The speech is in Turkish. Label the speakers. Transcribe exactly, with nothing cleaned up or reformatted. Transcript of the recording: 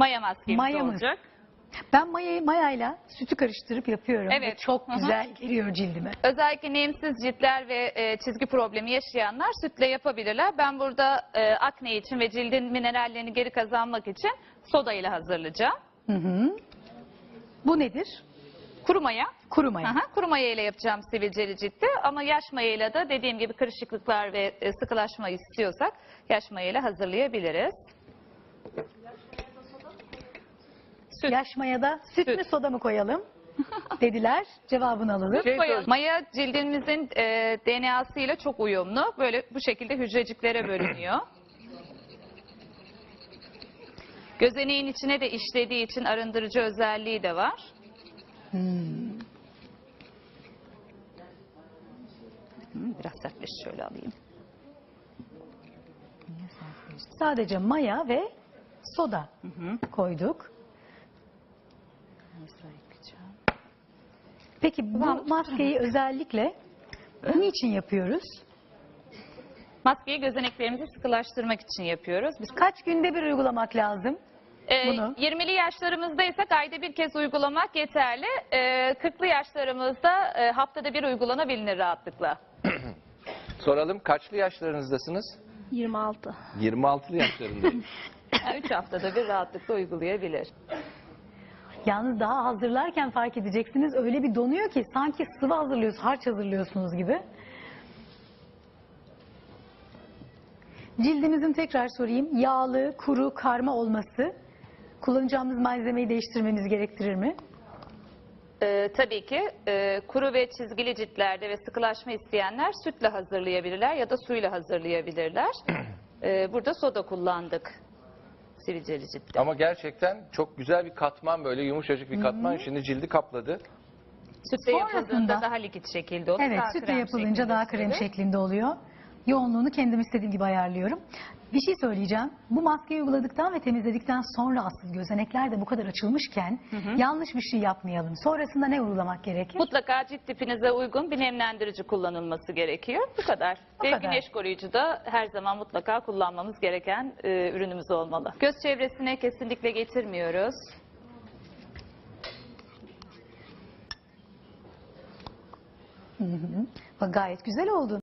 Speaker 1: Maya maskemiz
Speaker 2: Mayamız.
Speaker 1: olacak.
Speaker 2: Ben mayayı mayayla sütü karıştırıp yapıyorum.
Speaker 1: Evet.
Speaker 2: Ve çok
Speaker 1: Hı hı.
Speaker 2: güzel geliyor cildime.
Speaker 1: Özellikle nemsiz ciltler ve e, çizgi problemi yaşayanlar sütle yapabilirler. Ben burada e, akne için ve cildin minerallerini geri kazanmak için soda ile hazırlayacağım.
Speaker 2: Hı hı. Bu nedir?
Speaker 1: Kuru maya.
Speaker 2: Kuru maya.
Speaker 1: Aha, kuru maya ile yapacağım sivilceli ciltte ama yaş maya ile de dediğim gibi kırışıklıklar ve e, sıkılaşma istiyorsak yaş maya ile hazırlayabiliriz. Süt.
Speaker 2: Yaş mayada süt,
Speaker 1: Süt.
Speaker 2: mü soda mı koyalım dediler. Cevabını alalım.
Speaker 3: Şey
Speaker 1: Koyalım.
Speaker 3: sor-
Speaker 1: Maya cildimizin e, D N A'sı ile çok uyumlu. Böyle bu şekilde hücreciklere bölünüyor. Gözeneğin içine de işlediği için arındırıcı özelliği de var.
Speaker 2: Hmm.
Speaker 1: Hı, Biraz sertleş şöyle alayım.
Speaker 2: Sadece maya ve soda
Speaker 1: Hı hı.
Speaker 2: koyduk.
Speaker 1: Biraz daha yapacağım.
Speaker 2: Peki bu
Speaker 1: Tamam.
Speaker 2: maskeyi özellikle niçin yapıyoruz?
Speaker 1: Maskeyi gözeneklerimizi sıkılaştırmak için yapıyoruz. Biz
Speaker 2: Kaç günde bir uygulamak lazım?
Speaker 1: Ee,
Speaker 2: Bunu.
Speaker 1: yirmili yaşlarımızdaysak ayda bir kez uygulamak yeterli. Ee, kırklı yaşlarımızda e, haftada bir uygulanabilir rahatlıkla.
Speaker 3: Soralım, kaçlı yaşlarınızdasınız?
Speaker 4: yirmi altı.
Speaker 3: yirmi altılı yaşlarındayım.
Speaker 1: Yani üç haftada bir rahatlıkla uygulayabilir.
Speaker 2: Yalnız daha hazırlarken fark edeceksiniz öyle bir donuyor ki sanki sıvı hazırlıyorsunuz, harç hazırlıyorsunuz gibi. Cildimizin tekrar sorayım yağlı, kuru, karma olması kullanacağımız malzemeyi değiştirmemiz gerektirir mi?
Speaker 1: Ee, tabii ki e, kuru ve çizgili ciltlerde ve sıkılaşma isteyenler sütle hazırlayabilirler ya da suyla hazırlayabilirler. Ee, burada soda kullandık sivilceli ciltte.
Speaker 3: Ama gerçekten çok güzel bir katman, böyle yumuşacık bir katman. Şimdi cildi kapladı.
Speaker 1: Sütle
Speaker 2: Sonrasında-
Speaker 1: yapıldığında daha likit şekilde olur.
Speaker 2: Evet,
Speaker 1: daha
Speaker 2: sütle
Speaker 1: krem
Speaker 2: yapılınca
Speaker 1: şeklinde
Speaker 2: daha krem
Speaker 1: olur.
Speaker 2: şeklinde oluyor. Yoğunluğunu kendim istediğim gibi ayarlıyorum. Bir şey söyleyeceğim. Bu maskeyi uyguladıktan ve temizledikten sonra asıl gözenekler de bu kadar açılmışken yanlış bir şey yapmayalım. Sonrasında ne uygulamak gerekir?
Speaker 1: Mutlaka cilt tipinize uygun bir nemlendirici kullanılması gerekiyor. Bu kadar.
Speaker 2: Bu
Speaker 1: Ve
Speaker 2: kadar.
Speaker 1: güneş koruyucu da her zaman mutlaka kullanmamız gereken e, ürünümüz olmalı. Göz çevresine kesinlikle getirmiyoruz.
Speaker 2: Hı hı. Bak, gayet güzel oldu.